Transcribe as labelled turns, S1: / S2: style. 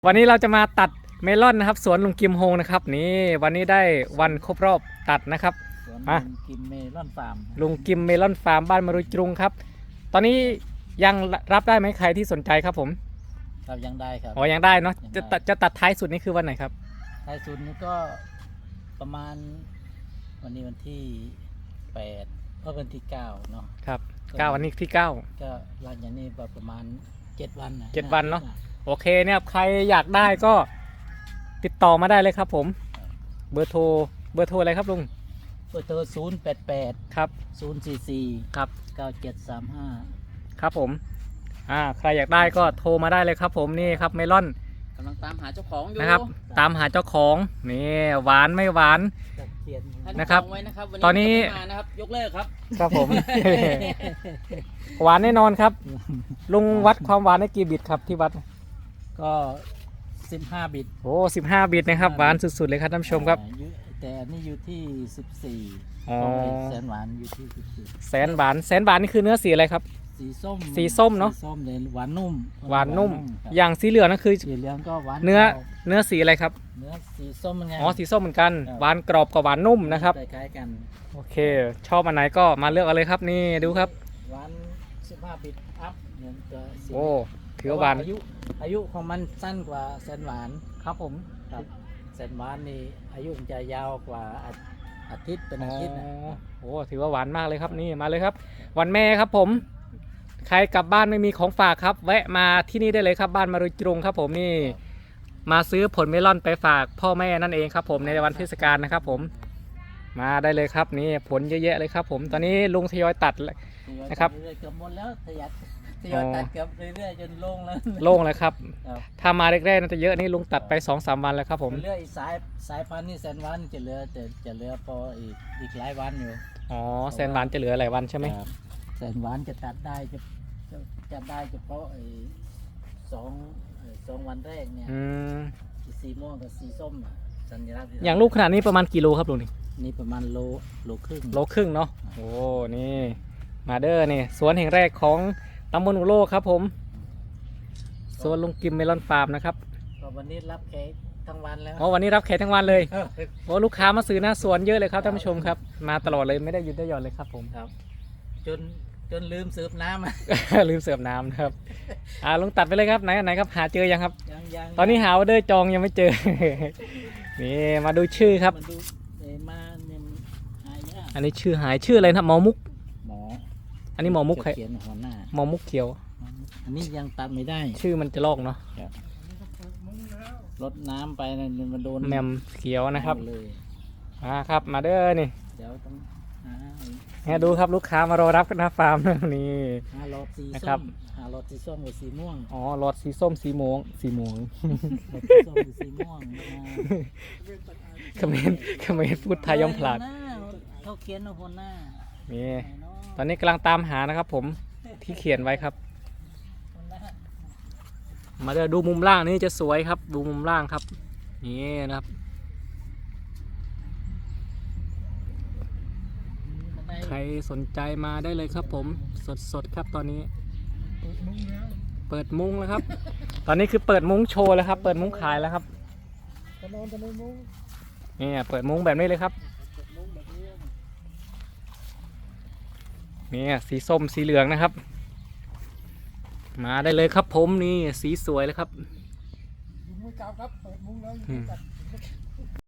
S1: วันนี้เราจะมาตัดเมลอนนะครับสวนลุงกิมโฮงนะครับนี่วันนี้ได้วันครบรอบตัดนะครับ
S2: สวน
S1: มา
S2: ลุงกิมเมลอนฟาร์ม
S1: ลุงกิมเมลอนฟาร์มบ้านมารุยจรุงครับตอนนี้ยังรับได้ไหมใครที่สนใจครับผม
S2: ครับยังได้ครับ
S1: อ๋อยังได้เนาะ
S2: ยังได้
S1: จะตัดท้ายสุดนี่คือวันไหนครับ
S2: ท้ายสุดนี้ก็ประมาณวันนี้วันที่8ก็วันที่9เนาะ
S1: ครับ
S2: ก็
S1: 9วันนี้ที่ 9
S2: ก็หลังจากนี้ประมาณ7 วันนะ
S1: 7 วันเนาะ โอเคเนี่ยใครอยากได้ก็ติดต่อมาได้เลยครับผมเบอร์โทรอะไรครับลุง
S2: เบอร์โทร088
S1: ครับ
S2: 044
S1: ครับ
S2: 9735
S1: ครับผมใครอยากได้ก็โทรมาได้เลยครับผมนี่ครับเมลอน
S3: กำลังตามหาเจ้าของอยู่
S1: นะครับตามหาเจ้าของนี่หวานไม่หวาน
S2: ตะเคียน
S3: ท่า
S1: นะครับ
S3: จองไว้นะครับวั
S1: ตอนนี้
S3: ไม่มานะครับยกเลิกครับ
S1: ครับผม หวานแน่นอนครับลุงวัดความหวานได้กี่บิตครับที่วัด
S2: ก็15 บิต
S1: โอ้15 บิตนะครับหวานสุดๆเลยครับท่านผู้ชมครับ
S2: แต่อันนี้อยู่ที่14
S1: อ๋อ
S2: แสนหวานอยู่ที่14
S1: แสนหวานนี่คือเนื้อสีอะไรครับ
S2: สีส้ม
S1: สีส้มเนอะ
S2: สีส้มเลยหวานนุ่ม
S1: หวานนุ่ม
S2: ครับ
S1: อย่างสีเหลืองนั่นคือ
S2: สีเหลืองก็หวาน
S1: เนื้อ
S2: กรอบ
S1: เนื้อสีอะไรครับ
S2: เนื้อสีส้มไง
S1: อ๋อสีส้มเหมือนกัน
S2: ครับ
S1: หวานกรอบกับหวานนุ่มนะครับ
S2: คล้ายๆกัน
S1: โอเค ชอบอันไหนก็มาเลือกเอาเลยครับนี่ดูครับ
S2: หวาน15 บิตอัพเนี่ยจะสี
S1: โอ้ถือว่าหวาน
S2: อายุของมันสั้นกว่าแสนหวาน
S1: ครับผม
S2: ครับแสนหวานนี่อายุมันจะยาวกว่าอาทิตย์เป็นอาทิตย์นะ
S1: โอ้ถือว่าหวานมากเลยครับนี่มาเลยครับ วันแม่ครับผมใครกลับบ้านไม่มีของฝากครับ แวะมาที่นี่ได้เลยครับบ้านมารุยจรุงครับผมนี่มาซื้อผลเมลอนไปฝากพ่อแม่นั่นเองครับผมในวันเทศกาลนะครับผมมาได้เลยครับนี่ผลเยอะแยะเลยครับผมตอนนี้ลุงทยอยตัด นะครับ
S2: เรื่อยๆเกือบหมดแล้วทยอยตัดเกือบเรื่อยๆจนโล่งแล้ว
S1: โล่งเลยครับ
S2: ครับ
S1: ถ้ามาแรกๆน่าจะเยอะนี่ลุงตัดไป 2-3 วันแล้วครับผม
S2: เหลืออีกสายพันธุ์นี่แสนหวานจะเหลือแต่จะเหลือพออีกหลายวันอยู่
S1: อ๋อแสนหวานจะเหลือหลายวันใช่ไหม
S2: ครับแสนหวานจะตัดได้จะได้เฉพาะสองวันแรกเนี่ย
S1: อืม
S2: สีม่วงกับสีส้มน่ะสัญลักษณ์
S1: อย่างลูกขนาดนี้ประมาณกี่โลครับลุงนี่
S2: นี่ประมาณโลครึ่ง
S1: โลครึ่งเนาะโอ้นี่มาเด้อนี่สวนแห่งแรกของตำบลอุโลกครับผมสวนลุงกิมเมลอนฟาร์มนะครับ
S2: ก็วันนี้รับแขกทั้งวันแล้ว
S1: อ๋อวันนี้รับแขกทั้งวันเลยโอ้ลูกค้ามาซื้อหน้าสวนเยอะเลยครับท่านผู้ชมครับมาตลอดเลยไม่ได้หยุดได้หย่อนเลยครับผม
S2: ครับจนลืมเสิร์ฟน้ำอะ
S1: ลืมเสิร์ฟน้ำนะครับลุงตัดไปเลยครับไหนครับหาเจอยังครับ
S2: ยัง
S1: ตอนนี้หาออเดอร์จองยังไม่เจอ นี่มาดูชื่อครับ
S2: มันดูมาเนี่ยมันหายาก
S1: อันนี้ชื่อหายชื่ออะไรนะหมอมุก
S2: หมอ
S1: อันนี้หมอมุกใคร
S2: เขียนหัวหน้า
S1: หมอมุกเขียว
S2: อันนี้ยังตัดไม่ได้
S1: ชื่อมันจะลอกเนาะ
S2: รดน้ำไปนะมันโดน
S1: แมมเขียวนะครับ
S2: เลย
S1: ครับมาเด้อนี่
S2: เดี๋ยวต้องหา
S1: เนี่ยดูครับลูกค้ามารอรับกันหน้าฟาร์ม นี่
S2: หลอดสี
S1: นะครั
S2: ส้
S1: บ
S2: มหาหลอดสีส้มกับสีม่วง
S1: อ๋อหลอดสีส้มสีม่วงสีม่วง
S2: หลอดสีส้มกับสีม่วง
S1: เขมรพูดไทยย่อมพลาด
S2: เขาเขียนเอาหัวหน้า
S1: นี่
S2: ไหนเนาะ
S1: ตอนนี้กำลังตามหานะครับผมที่เขียนไว้ครับ
S2: หัวหน้า
S1: มาเด้อดูมุมล่างนี่จะสวยครับ ดูมุมล่างครับนี่นะครับ ใครสนใจมาได้เลยครับผมสดครับตอนนี้ เปิดมุ้งแล้วครับ ตอนนี้คือเปิดมุ้งโชว์แล้วครับ เปิดมุ้งขายแล้วครับนี่เปิดมุ้งแบบนี้เลยครับนี่สีส้มสีเหลืองนะครับ มาได้เลยครับผมนี่สีสวยเลยครับ